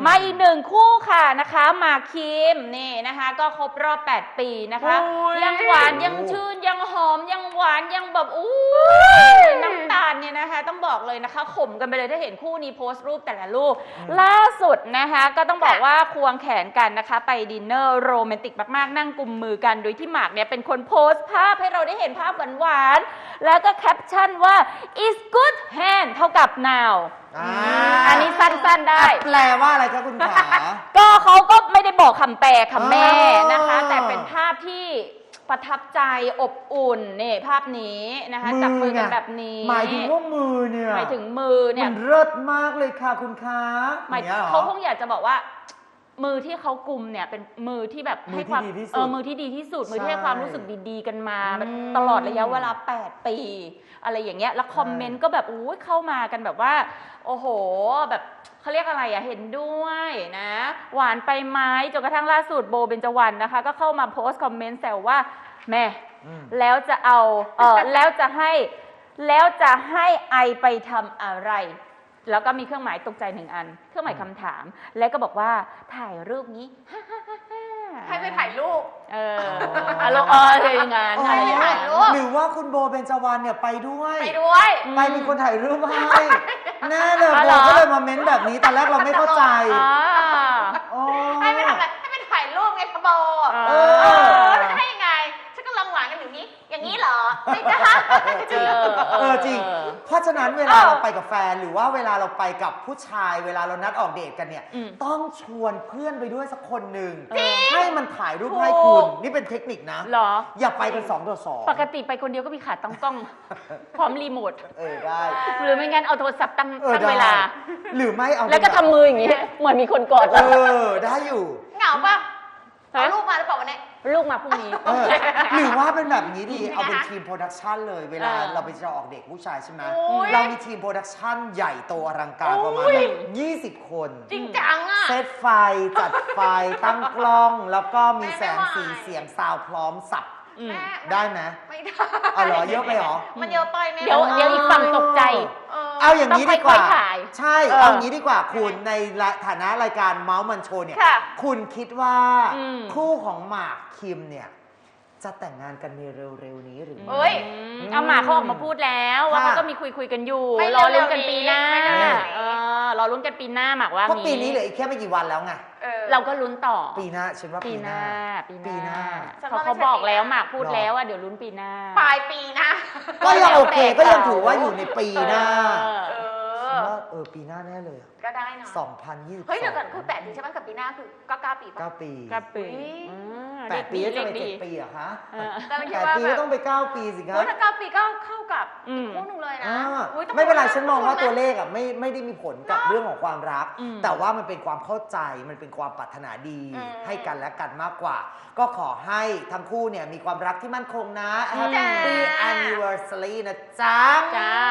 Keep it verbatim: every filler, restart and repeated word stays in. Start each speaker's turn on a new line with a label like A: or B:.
A: มาอีกหนึ่งคู่ค่ะนะคะหมากคิมนี่นะคะก็ครบรอบแปดปีนะคะยังหวานยังชื่นยังหอมยังหวานยังแบบอู้น้ำตาลเนี่ยนะคะต้องบอกเลยนะคะขมกันไปเลยถ้าเห็นคู่นี้โพสต์รูปแต่ละรูปล่าสุดนะคะก็ต้องบอกว่าควงแขนกันนะคะไปดินเนอร์โรแมนติกมากๆนั่งกุมมือกันโดยที่หมากเนี่ยเป็นคนโพสต์ภาพให้เราได้เห็นภาพหวานๆแล้วก็แคปชั่นว่า is good hand เท่ากับ now อันนี้สั้นๆได้
B: แปลว่าอะไรครับคุณขา
A: ก็เขาก็ไม่ได้บอกคำแปลคำแม่นะคะแต่เป็นภาพที่ประทับใจอบอุ่นนี่ภาพนี้นะคะจับมือกันแบบนี้
B: หมายถึงว่ามือเนี่ย
A: หมายถึงมือเนี่ย
B: มันเลิศมากเลยค่ะคุณคะ
A: หมายเขาคงอยากจะบอกว่ามือที่เขากุมเนี่ยเป็นมือที่แบบให้ความเออมือที่ดีที่สุดมือที่ให้ความรู้สึกดีๆกันมาตลอดระยะเวลาแปดปีอะไรอย่างเงี้ยแล้วคอมเมนต์ก็แบบอู้เข้ามากันแบบว่าโอ้โหแบบเขาเรียกอะไรอะเห็นด้วยนะหวานไปไหมจนกระทั่งล่าสุดโบเบญจวรรณนะคะก็เข้ามาโพสต์คอมเมนต์แซวว่าแม่แล้วจะเอาเออแล้วจะให้แล้วจะให้ไอไปทำอะไรแล้วก็มีเครื่องหมายตกใจหนึ่งอันเครื่องหมายคำถามแล้วก็บอกว่าถ่ายรูปนี้
C: ให้ไปถ่ายรูป
A: เอออารมณ์เออเลยงาน
C: ให้ไปถ่ายรูป
B: หรือว่าคุณโบเบญจวรรณเนี่ยไปด้วย
C: ไปด้วย
B: ไปมีคนถ่ายรูปให้แน่เลยโบก็เลยมาเม้นแบบนี้ตอนแรกเราไม่เข้าใจ
C: ให้ไปทำอะไรให้ไปถ่ายรูปไงคะโบเออให้ไงฉันก็ลองหวานกันอย่างนี้อย่างนี้เหรอไม่ได้
B: จริงเออจริงเพราะฉะนั้นเวลาเราไปกับแฟนหรือว่าเวลาเราไปกับผู้ชายเวลาเรานัดออกเดทกันเนี่ยต้องชวนเพื่อนไปด้วยสักคนหนึ่งให้มันถ่ายรูปให้คุณนี่เป็นเทคนิคนะ
A: หรอ
B: อย่าไปกันสองต่อสอง
A: ปกติไปคนเดียวก็มีขาตั้งกล้องพร้อมรีโมท
B: เออได้
A: หรือไม่งั้นเอาโทรศัพท์ตั้งเวลา
B: หรือไม่เอา
A: แล้วก็ทำมืออย่างนี้เหมือนมีคนกอด
B: เออได้อยู่
C: เหงาปะเอาลูกมาหรือเปล่าวันนี้
A: ลูกมาพรุ่งนี้
B: หรือว่าเป็นแบบนี้ดีเอาเป็นทีมโปรดักชันเลยเวลาเราไปจะออกเด็กผู้ชายใช่ไหมเรามีทีมโปรดักชันใหญ่โตอลังการประมาณยี่สิบคน
C: จริงจังอ่ะ
B: เซตไฟจัดไฟตั้งกล้องแล้วก็มีแสงสีเสียงซาวพร้อมสับได้ไหม
C: ไม่ได้
B: เอาเหรอเยอะไปเหรอ
C: มันเยอะไปไหม
A: เดี๋ยวเดี๋ยวอีกฝั่งตกใจ
B: เอาอย่างนี้ดีกว่าใช่เอาอย่างนี้ดีกว่าคุณในฐานะรายการเมาส์มันโชว์เนี่ยคุณคิดว่าคู่ของหมากคิมเนี่ยจะแต่งงานกันในเร็วๆนี้หรือ
A: เอ้ยเอาหมากเขาออกมาพูดแล้วว่าเขาก็มีคุยคุยกันอยู่รอลุ้นกันปีหน้ารอลุ้นกันปีหน้าหมากว่า
B: เพราะปีนี้เหลืออีกแค่ไม่กี่วันแล้วไง
A: เราก็ลุ้นต่อ
B: ปีหน้าฉันว่าปีหน้า
A: ปีหน้าเขาเขาบอกแล้วหมากพูดแล้วว่าเดี๋ยวลุ้นปีหน้า
C: ปลายปีหน้า
B: ก็ยังโอเคก็ยังถือว่าอยู่ในปีหน้าว่าเออปีหน้าแน่เลย
C: ก็ได้เนาะ
B: สองพันยี่สิบ
C: เฮ้ยเดี๋ยวก่อนคือแปดปีใช่ไหมกับปีหน้าคือก็เก้าปี
B: เก้าปี
A: เก้าปี
B: แปดปีจะไปเจ็ดปีเหรอคะแปดปีก็ต้องไปเก้าปีสิครับ
C: ถ้าเก้าปีก็เข้ากับคู่หนึ่งเลยนะ
B: ไม่เป็นไรฉันมองว่าตัวเลขอ่ะไม่ไม่ได้มีผลกับเรื่องของความรักแต่ว่ามันเป็นความเข้าใจมันเป็นความปรารถนาดีให้กันและกันมากกว่าก็ขอให้ทั้งคู่เนี่ยมีความรักที่มั่นคงนะ Happy Anniversary นะจ๊ะ
A: จ้า